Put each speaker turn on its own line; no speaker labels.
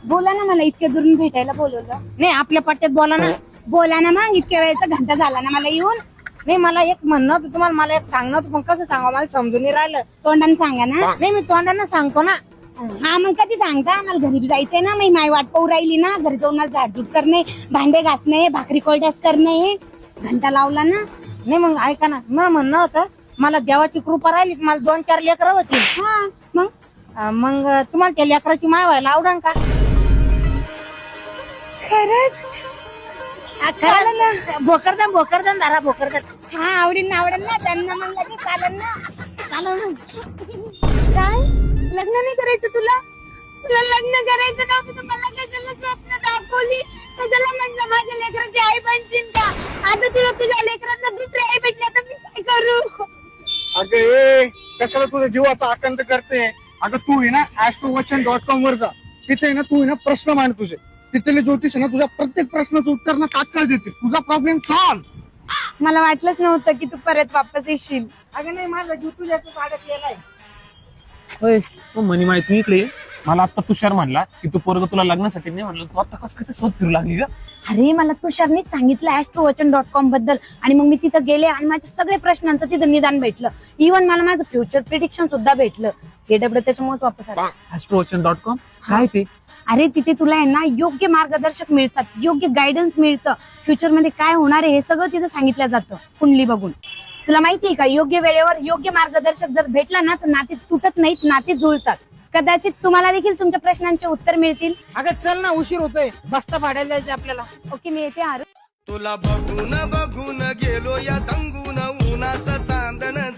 बोला ना, मला इतक्या दुरून भेटायला बोलवलं.
नाही आपल्या पट्ट्यात बोला ना.
बोला ना मग, इतक्या वेळेचा घंटा झाला ना मला येऊन.
नाही मला एक म्हणणं होतं तुम्हाला, मला एक सांगणं होतं, पण कसं सांगा मला समजून नाही राहिलं.
तोंडाने सांगा ना.
नाही मी तोंडानं सांगतो ना.
हा मग कधी सांगता? मला घरी बी जायचंय ना, मी माय वाट पाहू राहिली ना. घरी जाऊन मला झाडझूड करणे, भांडे घासणे, भाकरी कोरड्यास करणे. घंटा लावला ना.
नाही मग ऐका ना, मग म्हणणं होतं मला देवाची कृपा राहिली, मला 2-4 लेकरं होती.
हा मग
मग तुम्हाला त्या लेकराची माय व्हायला आवडन का?
खरंच? चालेल ना.
भोकरदन धरा भोकरदन.
हा आवडेल ना त्यांना, मग लगेच चालेल ना.
चालेल ना.
काय लग्न नाही करायचं तुला? तुला लग्न करायचं नव्हतं तर मला कशाला स्वप्न दाखवली? कशाला म्हटलं माझ्या लेकराची आई बनशील का? आता तुला तुझ्या लेकरांना दुसरी आई भेटल्या तर मी काय करू?
अगं ए कशाला तुझ्या जीवाचा आकंत करते? अगं तू आहे ना astrowachan.com वर जा. तिथे ना तू आहे ना प्रश्न मांड तुझे. तिथले ज्योतिष आहे ना तुझ्या प्रत्येक प्रश्नाचं उत्तर ना तात्काळ देते. तुझा प्रॉब्लेम सॉल्व.
मला वाटलंच नव्हतं की तू परत वापस येशील.
अगं नाही माझा जीव तुझ्याच गाड्यात गेलाय.
होय मग म्हणे माहिती तू इकडे ये. मला आता तुषार म्हणला की तू पोरग तुला लग्नासाठी नाही म्हणलं, तू आता कसं काय शोध फिरू लागली ग?
अरे मला तुषारनीच सांगितलं astrowachan.com बद्दल, आणि मग मी तिथं गेले आणि माझ्या सगळ्या प्रश्नांचं तिथं निदान भेटलं. इव्हन मला माझं फ्युचर प्रिडिक्शन सुद्धा भेटलं. गेडब्ल्यू त्याच्यामुळेच वापस आला.
astrowachan.com काय ते?
अरे तिथे तुला आहे ना योग्य मार्गदर्शक मिळतात, योग्य गायडन्स मिळतं. फ्युचर मध्ये काय होणार आहे हे सगळं तिथं सांगितलं जातं कुंडली बघून. तुला माहितीये का, योग्य वेळेवर योग्य मार्गदर्शक जर भेटला ना तर नाते तुटत नाहीत, नाते जुळतात. कदाचित तुम्हाला देखील तुमच्या प्रश्नांचे उत्तर मिळतील.
अगं चल ना, उशीर होतोय, बस्ता भाड्याला जायचं आपल्याला.
ओके मी येते आरू.
तुला बघून बघून गेलो या तंगून उन्हाचं चांदण